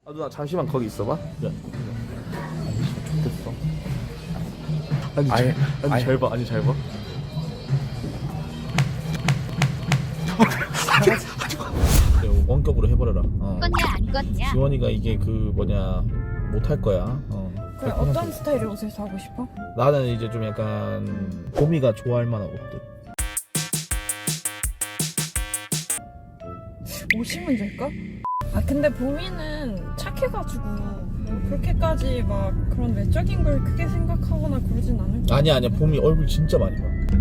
아 누나 잠시만 거기 있어봐. 네. 아니 아예, 아니 아예. 잘 봐. 아니 잘 봐. 네, 원격으로 해버려라. 껐냐 안 껐냐? 지원이가 이게 그 뭐냐 못할 거야. 그래, 어떤 스타일의 옷을 사고 싶어? 나는 이제 좀 약간 봄이가 좋아할 만한 옷들. 옷이 문제일까? 아 근데 봄이는 착해가지고 그렇게까지 막 그런 외적인 걸 크게 생각하거나 그러진 않을 거야. 아니야 봄이 얼굴 진짜 많이 봐.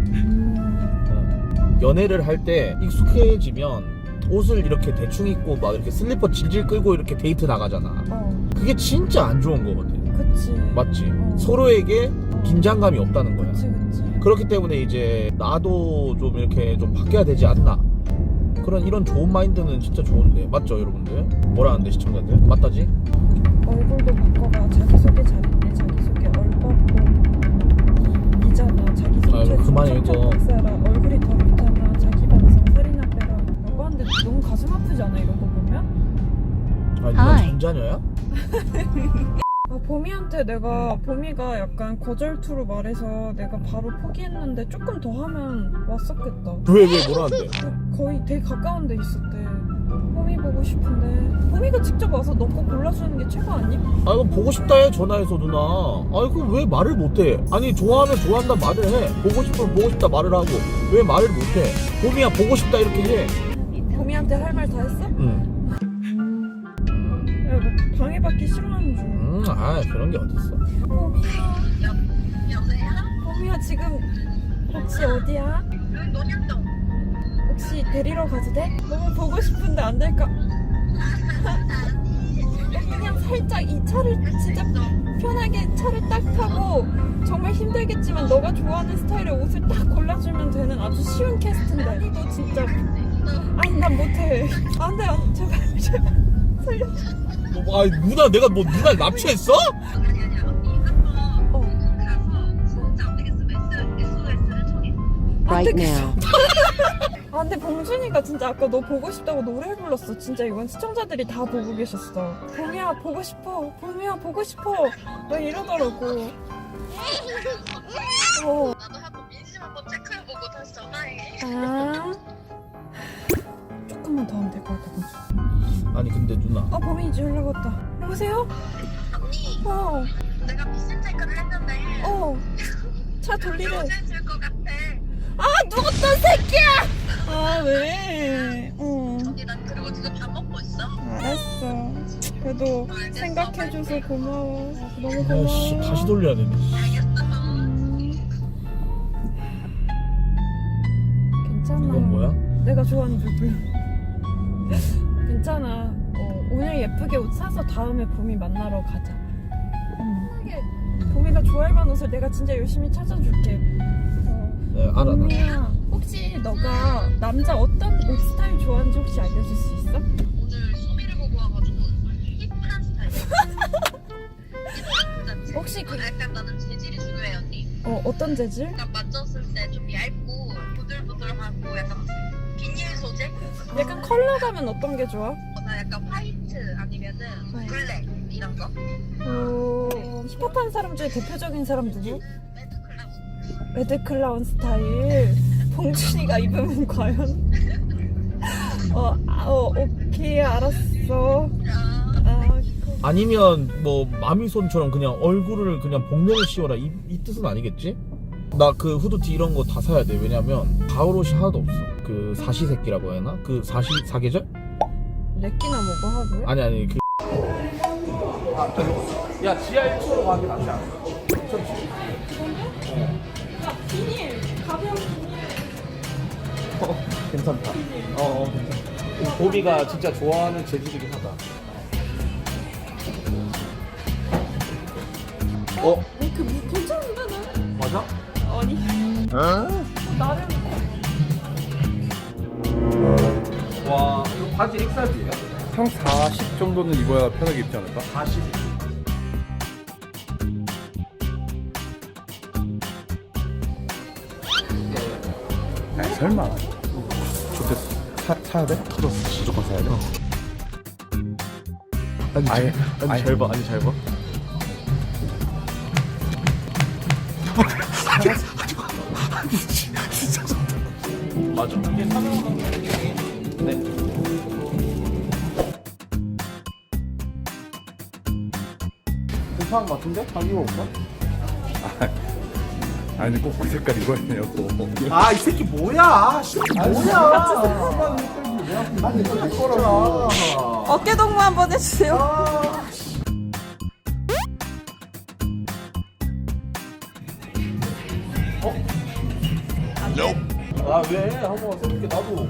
연애를 할 때 익숙해지면 옷을 이렇게 대충 입고 막 이렇게 슬리퍼 질질 끌고 이렇게 데이트 나가잖아. 그게 진짜 안 좋은 거거든. 그치. 맞지? 서로에게 긴장감이 없다는 거야. 그치. 그렇기 때문에 이제 나도 좀 이렇게 좀 바뀌어야 되지 않나. 이런 좋은 마인드는 진짜 좋은데. 맞죠 여러분들? 뭐라는데 시청자들? 맞다지? 얼굴도 바꿔봐. 자기소개 잘했네. 자기소개 얼빠고 이잖아. 자기소개 아이고, 그만해, 이거. 박사라. 얼굴이 더 좋잖아. 자기 반성 살이나 빼라. 라고 하는데 너무 가슴 아프지 않아 이런 거 보면? 아니 너 전자녀야? 아, 봄이가 약간 거절투로 말해서 내가 바로 포기했는데 조금 더 하면 왔었겠다. 왜 뭐라는데? 거의 되게 가까운 데 있었대. 봄이 보고 싶은데 봄이가 직접 와서 너 거 골라주는 게 최고 아니? 아 이거 보고 싶다 해 전화해서 누나. 아 이거 왜 말을 못해? 아니 좋아하면 좋아한다 말을 해. 보고 싶으면 보고 싶다 말을 하고 왜 말을 못해? 봄이야 보고 싶다 이렇게 해. 봄이한테 할 말 다 했어? 응. 야, 너 방해받기 싫어하는 줄. 아 그런 게 어딨어. 봄이야 지금 혹시 어디야? 논현동. 혹시 데리러 가도 돼? 너무 보고 싶은데 안 될까? 그냥 살짝 이 차를 진짜 편하게 차를 딱 타고 정말 힘들겠지만 너가 좋아하는 스타일의 옷을 딱 골라주면 되는 아주 쉬운 캐스트인데. 아니 너 진짜 아니 난 못해. 안돼 제발 살려줘. 아 누나 내가 뭐 누나를 납치했어? 아니 언니 한번 가서 진짜 안 되겠으면 SOS를 청해. right now. 아 근데 봉준이가 진짜 아까 너 보고 싶다고 노래 불렀어. 진짜 이건 시청자들이 다 보고 계셨어. 봄이야 보고 싶어. 봄이야 보고 싶어. 막 이러더라고. 나도 한번 민심 한번 체크해보고 다시 전화해. 아 조금만 더 하면 될 것 같아 봉준. 아니 근데 누나. 아 봄이 이제 연락 왔다. 여보세요? 언니 어. 내가 미션 체크를 했는데 차 돌리래. 요새질 것 같아. 아 누구 또 새끼야? 아 왜? 언니 난 그리고 지금 밥 먹고 있어. 알았어. 그래도 알겠어. 생각해줘서 고마워. 너무 아씨 고마워. 다시 돌려야 되네. 알겠어. 괜찮아. 이건 뭐야? 내가 좋아하는 불불. 괜찮아. 오늘 예쁘게 옷 사서 다음에 봄이 만나러 가자. 봄이가 좋아할 만한 옷을 내가 진짜 열심히 찾아줄게. 네 알아 나. 봄이야, 혹시 너가 남자 어떤 옷 스타일 좋아하는지 혹시 알려줄 수 있어? 오늘 소미를 보고 와가지고 힙한 스타일. 혹시 그- 약간 나는 재질이 중요해 언니. 어떤 재질? 약간 만졌을 때 좀 얇고 부들부들하고 약간 비닐 소재? 약간 컬러 가면 어떤 게 좋아? 나 약간 화이트 아니면은 네. 블랙 이런 거. 힙합한 사람 중에 대표적인 사람 누구? 레드 클라운. 레드 클라운 스타일. 봉준이가 입으면 과연? 오케이 알았어. 아니면 뭐 마미손처럼 그냥 얼굴을 그냥 복면을 씌워라 이 뜻은 아니겠지? 나 그 후드티 이런 거 다 사야 돼. 왜냐면 가을 옷이 하나도 없어. 그 사시세끼라고 해야 하나? 그 사계절? 렉기나 먹어 하고요? 아니 그. 야 지하 1층으로 가기 낫지 않아? 비닐 가벼운 비닐. 괜찮다. 괜찮다. 보비가 진짜 좋아하는 재질이긴 하다. 괜찮은데 나? 맞아? 아니 나름 와 이거 바지 엑사지야? 한 40 정도는 입어야 편하게 입지 않을까? 40. 설마. 좋겠어. 사야 돼? 무조건 사야 돼? 아니 잘 봐, 아니 잘 봐. 진짜 좋다. 맞아. 이게 사명하는 네. 괜찮은 것 같은데? 한 입어볼까? 아니 꼭 그 색깔 입어야네요 또. 아, 이 새끼 뭐야? 씨, 뭐야? 아니, 이거 내 거라고. 어깨 동무 한번 해주세요. 아, 왜? 한번 써볼게, 나도.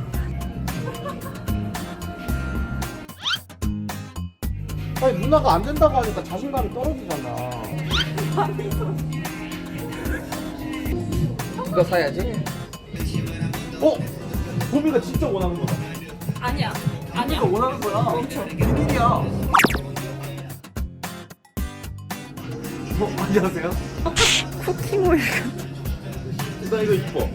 아니, 누나가 안 된다고 하니까 자신감이 떨어지잖아. 이거 사야지. 보미가 진짜 원하는 거다. 아니야. 아니야. 진짜 원하는 거야. 멈춰. 비밀이야. 안녕하세요. 쿠킹 오일. 나 이거 이뻐.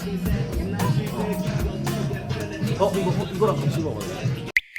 이거랑 같이 먹어야 돼.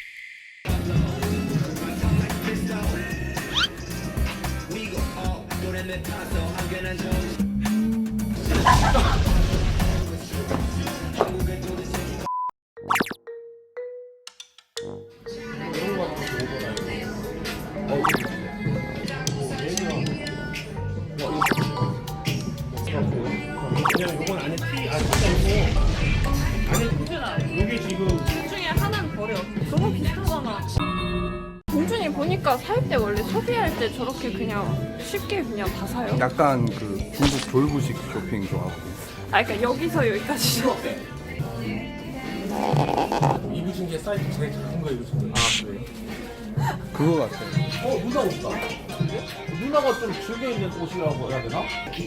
둘 중에 하나는 버려. 너무 비슷하잖아. 동준이 보니까 살 때 원래 소비할 때 저렇게 그냥 쉽게 그냥 다 사요. 약간 그 중국 졸부식 쇼핑 좋아하고. 아, 그러니까 여기서 여기까지. 입으신 게 사이즈 제일 작은 거 입으신 거예요? 아, 그래요? 그거 같아. 누나 옷다. 누나가 좀 즐겨 입는 옷이라고 해야 되나?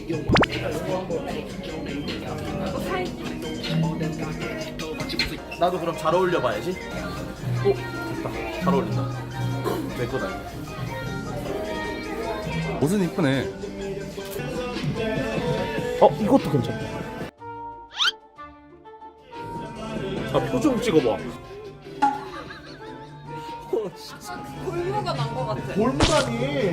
이거 사야지. 나도 그럼 잘 어울려 봐야지. 됐다. 잘 어울린다. 내 거다. 옷은 이쁘네. 이것도 괜찮다. 표정 찍어봐. 골무가 난 거 같아. 골무다니.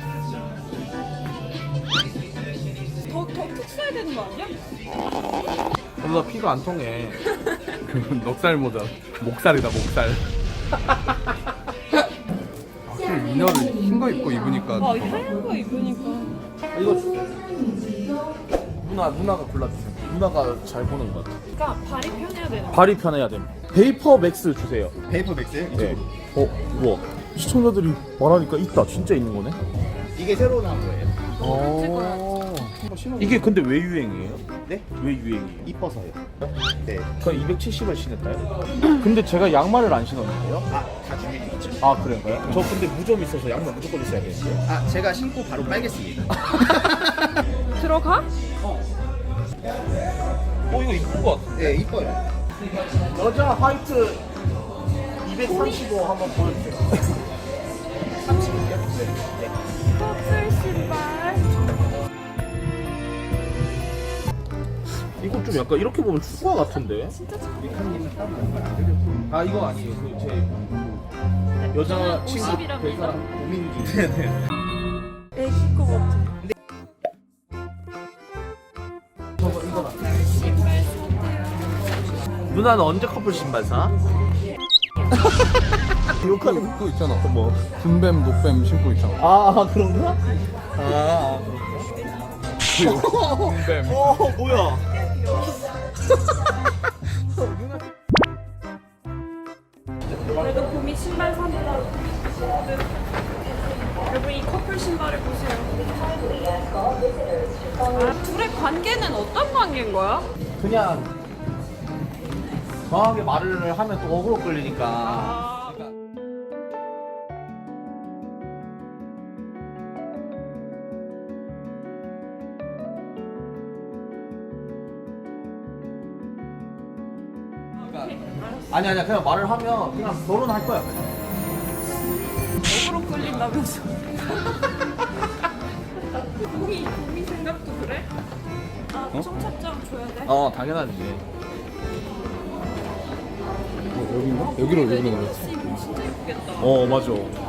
더 푹 써야 되는 거 아니야? 나 피가 안 통해. 그건 넉살 모자. 목살이다 목살. 확실히 이너를 흰 거 입고 입으니까 아, 이 하얀 거 입으니까. 이거 누나가 골라주세요. 누나가 잘 보는 것 같아. 그러니까 발이 편해야 되는 거. 발이 편해야 됨. 베이퍼 맥스 주세요. 베이퍼 맥스요? 네. 우와. 시청자들이 말하니까 있다. 진짜 있는 거네. 이게 새로 나온 거예요. 이게 근데 왜 유행이에요? 네? 왜 유행이에요? 이뻐서요. 네. 그럼 270을 신을까요? 근데 제가 양말을 안 신었는데요? 다 준비돼 있죠. 아, 그런가요? 저 근데 무좀 있어서 양말 무조건 있어야 되는데요? 제가 신고 바로 빨겠습니다. 들어가? 이거 이쁜 것 같아. 네, 이뻐요. 여자 화이트 235 한번 보여주세요. 30이요? 네. 커플 신발. 이거 좀 약간 이렇게 보면 축구화 같은데? 진짜 잘. 아, 이거 아니에요. 그 제 여자 친구 50이랍니다. 그 사람 고민기. 네네. 애기 거 같아. 이거 신발 사세요. 누나는 언제 커플 신발 사? 욕하는 그거 있잖아. 뭐? 줌뱀 녹뱀 신고 있잖아. 아, 그런가? 아, 그런가? 줌뱀. 뭐야? 그래도 봄이 신발 산다. 여러분 이 커플 신발을 보세요. 아, 둘의 관계는 어떤 관계인 거야? 그냥 정확하게 말을 하면 또 어그로 끌리니까. 아, 아니야, 그냥 말을 하면 그냥 결혼할 거야. 어그로 끌린다면서. 봄이 생각도 그래? 아, 청첩장 줘야 돼? 당연하지. 여기인가? 여기로 진짜 예쁘겠다. 맞아.